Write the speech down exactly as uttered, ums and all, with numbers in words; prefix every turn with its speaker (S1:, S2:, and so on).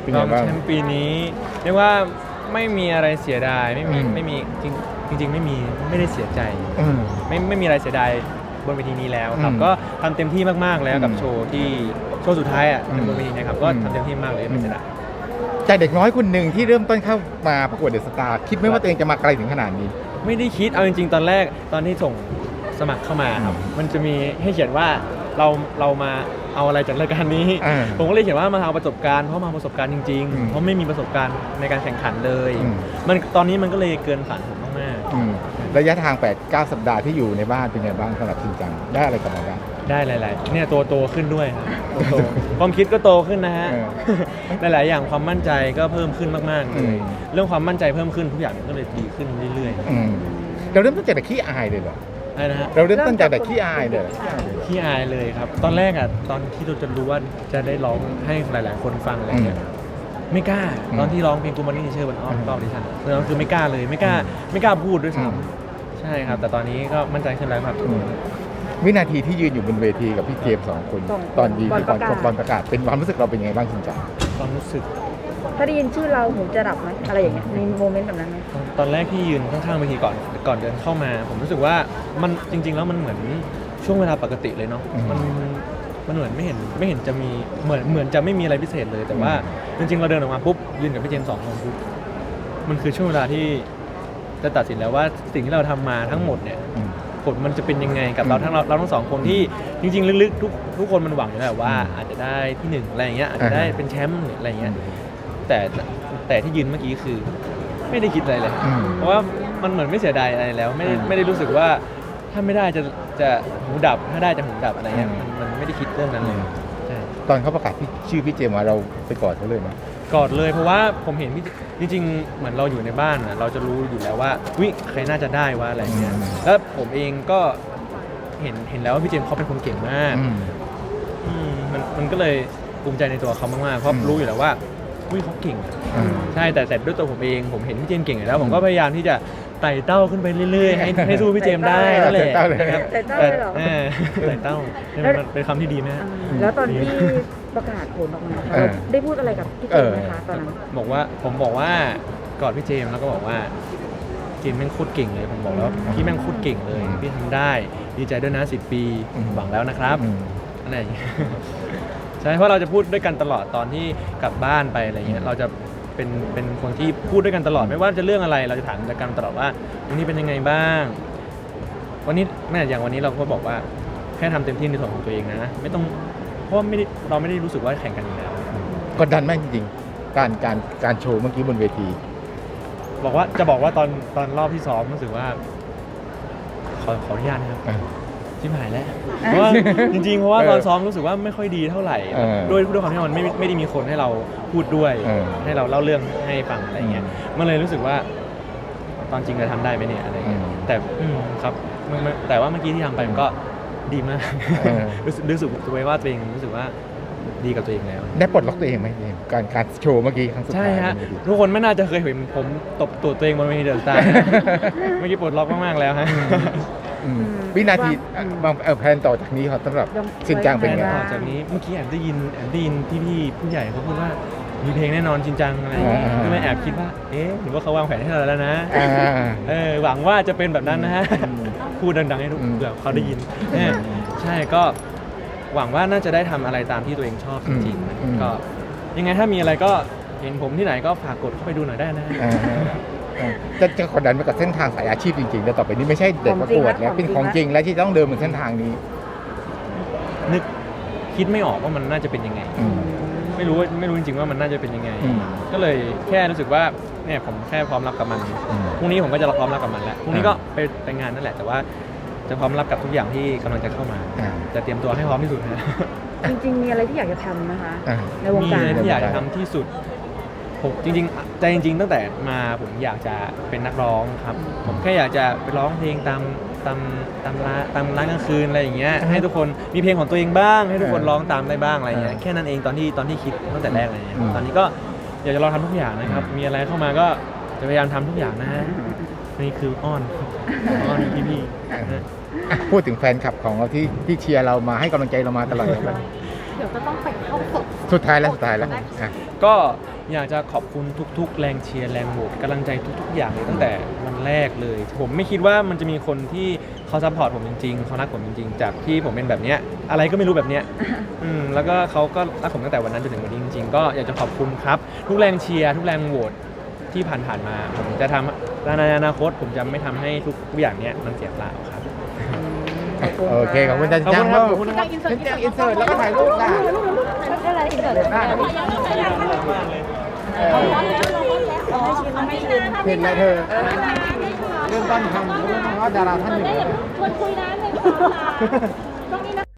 S1: เป็น
S2: ร
S1: ไง
S2: อง
S1: บ้าง
S2: แชมป์ปีนี้เรียกว่าไม่มีอะไรเสียดายไม่มี
S1: อืม
S2: ไม่มีจริงจริง ๆ ไม่มีไม่ได้เสียใจ
S1: อืม
S2: ไม่ไม่มีอะไรเสียดายบนเวทีนี้แล้วครับ
S1: อืม
S2: ก็ทำเต็มที่มากๆแล้วกับ
S1: อืม
S2: โชว์ที่โชว์สุดท้ายอ่ะ
S1: อืม
S2: บนเวทีนะครับก็
S1: อืม
S2: ทำเต็มที่มากเลยไม่เสียดาย
S1: จากเด็กน้อยคนหนึ่งที่เริ่มต้นเข้ามาประกวดเดอะสตาร์คิดไหมว่าตัวเองจะมาไกลถึงขนาดนี้
S2: ไม่ได้คิดเอาจริงๆ ตอนแรกตอนที่ส่งสมัครเข้ามาครับ
S1: อืม
S2: มันจะมีให้เขียนว่าเราเรามาเอาอะไรจากรายการนี้
S1: อ่า
S2: ผมก็เลยเขียนว่ามาเอาประสบการณ์เพราะมาเอาประสบการณ์จริง
S1: อืม
S2: ๆ เพราะไม่มีประสบการณ์ในการแข่งขันเลย
S1: อืม
S2: มันตอนนี้มันก็เลยเกินฝันผมมาก
S1: อืมระยะทาง แปดเก้า สัปดาห์ที่อยู่ในบ้านเป็นไงบ้างสำหรับชินจังได้อะไรกลับมาบ้าง
S2: ๆ ได้หลายๆเนี่ยตัวโตขึ้นด้วยครับตัวโต ความคิดก็โตขึ้นนะฮะ
S1: เออ
S2: หลายๆอย่างความมั่นใจก็เพิ่มขึ้นมากๆเล
S1: อื
S2: ย
S1: ม
S2: เรื่องความมั่นใจเพิ่มขึ้นทุกอย่างก็เลยดีขึ้นเรื่อย
S1: อืมเราเริ่มต้นจากเด็กขี้อายเลยเหรอ
S2: ๆอะไรนะฮะ
S1: เราเริ่มต้นจากเด็กขี้อายเลยเหรอ
S2: ขี้อายเลยครับ ตอนแรกอ่ะตอนที่เราจะรู้ว่าจะได้ร้องให้หลาย ๆ คนฟังอะไรเงี้ยไม่กล้า
S1: อืม
S2: ตอนที่ร้องเพลงกูมันนี่เชื่อบนอ้อม
S1: อืม
S2: รอบดิฉันตอนนั้นคือไม่กล้าเลยไม่กล้าไม่กล้าพูดด้วย
S1: อืม
S2: ซ้ำใช่ครับ แต่ตอนนี้ก็มั่นใจขึ้นแล้วครับ
S1: อืมวินาทีที่ยืนอยู่บนเวทีกับพี่เจมส์สองคน
S3: สอง
S1: ตอนยีน
S3: ก่อน
S1: ตอน
S3: ประกาศ
S1: ตอนประกาศเป็นความรู้สึกเราเป็นยังไงบ้างชินจัง
S2: ความรู้สึก
S3: ถ้าได้ยินชื่อเราหูจะดับไหมอะไรอย่างเงี้ยมีโมเมนต์แบบนั้นไหม
S2: ตอนตอนแรกที่ยืนข้างๆเวทีก่อนก่อนเดินเข้ามา ผมรู้สึกว่ามันจริง ๆ แล้วมันเหมือนช่วงเวลาปกติเลยเนาะ
S1: อืม
S2: มันมันเหมือนไม่เห็นไม่เห็นจะมีเหมือนเหมือนจะไม่มีอะไรพิเศษเลย แต่ว่าจริง ๆ เราเดินออกมาปุ๊บยืนกับพี่เจมส์สองคนปุ๊บมันคือช่วงเวลาที่จะตัดสินแล้วว่าสิ่งที่เราทำมาทั้งหมดเนี่ย
S1: อืม
S2: ผลมันจะเป็นยังไงกับเรา
S1: อืม
S2: ทั้งเราเราทั้งสองคนที่จริง ๆ ลึกๆทุกทุกคนมันหวังอยู่แล้วว่า
S1: อืม
S2: อาจจะได้ที่หนึ่งอะไรอย่างเงี้ยอาจจะได้
S1: อ่าฮะ
S2: เป็นแชมป์หรืออะไรอย่างเงี้ยแต่แต่ที่ยืนเมื่อกี้คือไม่ได้คิดอะไรเลย
S1: อืม
S2: เพราะว่ามันเหมือนไม่เสียดายอะไรแล้ว ไม่ได้
S1: อืม
S2: ไม่ได้รู้สึกว่าถ้าไม่ได้จะจะหูดับถ้าได้จะหูดับอะไรเงี้ย
S1: อืม
S2: มันมันไม่ได้คิดเรื่องนั้นเลยใช่
S1: ตอนเขาประกาศที่ชื่อพี่เจมส์มาเราไปกอดเขาเลยไหม
S2: กอดเลยเพราะว่าผมเห็นพี่จริงๆเหมือนเราอยู่ในบ้านน่ะเราจะรู้อยู่แล้วว่าวิใครน่าจะได้ว่าอะไรเงี้ย
S1: อืม
S2: แล้วผมเองก็เห็นเห็นแล้วว่าพี่เจมส์เขาเป็นคนเก่งมาก
S1: อืม
S2: อืมมันมันก็เลยภูมิใจในตัวเขามากๆเพราะ
S1: อืม
S2: รู้อยู่แล้วว่าวิเขาเก่ง
S1: อืม
S2: ใช่แต่แต่ด้วยตัวผมเองผมเห็นพี่เจมส์เก่งอยู่แล้ว ผมก็พยายามที่จะไต่เต้าขึ้นไปเรื่อยๆ ให้ให้สู้พี่เจมส์ได้นั่นแหละ
S1: ไต่เต้าเลย
S2: นะครับ
S3: ไต่เต้าเลยเหรอ
S2: เออไต่เต้าเป็นเป็นคำที่ดีไหมฮะ
S3: แล้วตอนที่ประกาศผลออกมา
S1: เออ
S3: เราได้พูดอะไรกับพี่เจมส์ไหมคะตอนนั้น
S2: บอกว่าผมบอกว่ากอดพี่เจมส์แล้วก็บอกว่าเจมส์แม่งโคตรเก่งเลยผมบอกแล้วพี่แม่งโคตรเก่งเลย
S1: อืม
S2: พี่ทำได้ดีใจด้วยนะสิบปี
S1: อืม
S2: หวังแล้วนะครับ
S1: อืม
S2: อะไรอย่างเงี้ย ใช่เพราะเราจะพูดด้วยกันตลอดตอนที่กลับบ้านไปอะไรเงี้ยเราจะเป็นเป็นคนที่พูดด้วยกันตลอดไม่ว่าจะเรื่องอะไรเราจะถามกันตลอดว่าวันนี้เป็นยังไงบ้าง วันนี้แม่อย่างวันนี้เราก็บอกว่าแค่ทำเต็มที่ในส่วนของตัวเองนะไม่ต้องเพราะว่าไม่ได้เราไม่ได้รู้สึกว่าแข่งกันอยู่แล้ว
S1: กดดันไหมจริงๆการการการโชว์เมื่อกี้บนเวที
S2: บอกว่าจะบอกว่าตอนตอนรอบที่ซ้อมรู้สึกว่า ขอขออนุญาตนะครับ
S1: อ่ะ
S2: ชิบหายแล้วเพราะว่าจริงๆเพราะว่า
S1: เออ
S2: ตอนซ้อมรู้สึกว่าไม่ค่อยดีเท่าไหร่
S1: เออ
S2: ด้วยด้วยความที่มันไม่ไม่ได้มีคนให้เราพูดด้วย
S1: เออ
S2: ให้เราเล่าเรื่องให้ฟังอะไรเงี้ยมันเลยรู้สึกว่า ตอนจริงจะทำได้ไหมเนี่ยอะไรเงี้ย
S1: อืม
S2: แต่อืมครับมันมันแต่ว่าเมื่อกี้ที่ทำไปมันก็ดีมาก
S1: เออ
S2: รู้สึกรู้สึกตัวเองว่าตัวเองรู้สึกว่าดีกับตัวเองแล้ว
S1: ได้ปลดล็อกตัวเองไหมเจมส์การการโชว์เมื่อกี้ครั้งสุด
S2: ใช่
S1: ท้าย
S2: ฮะ
S1: บนเวที
S2: ทุกคนไม่น่าจะเคยเห็นผมตบตัวตัวเองบนเวทีเดอะสตาร์ เมื่อกี้ปลดล็อกมากๆแล้วฮะ
S1: อืม
S3: อืม
S1: วินาที
S3: อืม
S1: บางเออแพลนต่อจากนี้ครับสำหรับชินจังเป็นไง
S3: ไว้
S2: ต่อจากนี้เมื่อกี้แอบได้ยินแอบได้ยินพี่ๆผู้ใหญ่เขาพูดว่ามีเพลงแน่นอนจริงจังอะไรอย่างเงี้ย
S1: อ่า
S2: ก็เลยแอบคิดว่าเอ๊ะหรือว่าเขาวางแผนให้เราแล้วนะ
S1: อ่า
S2: เออหวังว่าจะเป็นแบบนั้นนะฮะ
S1: อืม
S2: พูดดังๆให้ทุก
S1: อืม
S2: เผื่อเขาได้ยินเนี่ยใช่ก็หวังว่าน่าจะได้ทำอะไรตามที่ตัวเองชอบจริง
S1: อืม
S2: ๆก็ยังไงถ้ามีอะไรก็เห็นผมที่ไหนก็ฝากกดเข้าไปดูหน่อยได้นะ
S1: อ่าอ่าจะจะกดดันไปกับเส้นทางสายอาชีพจริงๆแล้วต่อไปนี้ไม่ใช่เด็กประกวดแล้วเป็นของจริงแล้วที่ต้องเดินบนเส้นทางนี้
S2: นึกคิดไม่ออกว่ามันน่าจะเป็นยังไง
S1: อืม
S2: ไม่รู้ว่าไม่รู้จริงๆว่ามันน่าจะเป็นยังไง
S1: อืม
S2: ก็เลยแค่รู้สึกว่าเนี่ยผมแค่พร้อมรับกับมัน
S1: อืม
S2: พรุ่งนี้ผมก็จะพร้อมรับกับมันแล้วพรุ่งนี้
S1: อ่า
S2: ก็ไปไปงานนั่นแหละ แต่ว่าจะพร้อมรับกับทุกอย่างที่กำลังจะเข้ามา
S1: อ่า
S2: จะเตรียมตัวให้พร้อมที่สุดนะ
S3: จริงๆ มีอะไรที่อยากจะทำนะคะ
S1: อ่า
S3: ในวง
S2: มี
S3: การ
S2: อะไรที่อยากจะทำที่สุดผมจริงๆใจจริง ๆ ตั้งแต่มาผมอยากจะเป็นนักร้องครับ ผมแค่อยากจะไปร้องเพลงตามตามตามร้านตามร้านกลางคืนอะไรอย่างเงี้ย
S1: อ่าฮะ
S2: ให้ทุกคนมีเพลงของตัวเองบ้าง ให้ทุกคน
S1: อ่า
S2: ร้องตามได้บ้างอะไรอย่างเงี้ย
S1: อ่า
S2: แค่นั้นเองตอนที่ตอนที่คิดตั้งแต่แรกเลยเนี่ย
S1: อืม
S2: ตอนนี้ก็อยากจะลองทำทุกอย่างนะครับ มีอะไรเข้ามาก็จะพยายามทำทุกอย่างนะฮะนี่คืออ้อนอ้อนพี่ๆนะ
S1: อ่ะพูดถึงแฟนคลับของเราที่ที่เชียร์เรามาให้กำลังใจเรามาตลอดเลย
S4: เดี๋ยวจะต้องไปเข้าฝึก
S1: สุดท้ายแล้วสุดท้ายแล้วอ่ะ
S2: ก็อยากจะขอบคุณทุกๆ แรงเชียร์แรงโหวตกำลังใจทุกๆ อย่างเลยตั้งแต่วันแรกเลย ผมไม่คิดว่ามันจะมีคนที่เขาซัพพอร์ตผมจริงๆเขารักผมจริงๆ จากที่ผมเป็นแบบเนี้ยอะไรก็ไม่รู้แบบเนี้ยอืมแล้วก็เขาก็รักผมตั้งแต่วันนั้นจนถึงวันนี้จริงๆก็อยากจะขอบคุณครับทุกแรงเชียร์ทุกแรงโหวตที่ผ่านๆมาผมจะทำในอนาคตผมจะไม่ทำให้ทุกอย่างเนี้ยมันเสียเปล่าครับ
S1: โอเคขอบคุณจัน
S2: ขอบ
S1: จั
S2: คุ
S1: ง
S2: ณครับ
S1: ลูก
S2: ขอบคุณครับ
S1: จันจังอินเสิร์ตแล้วก็ถ่ายรูปค่ะ
S3: ก็อะไรอีกเกิด
S1: ได้ครับเห็นแล้วเธอเริ่มต้นทำเพราะว่าดาราท่านหนึ่ง
S4: ชวนคุยนะหนึ่งสองสาม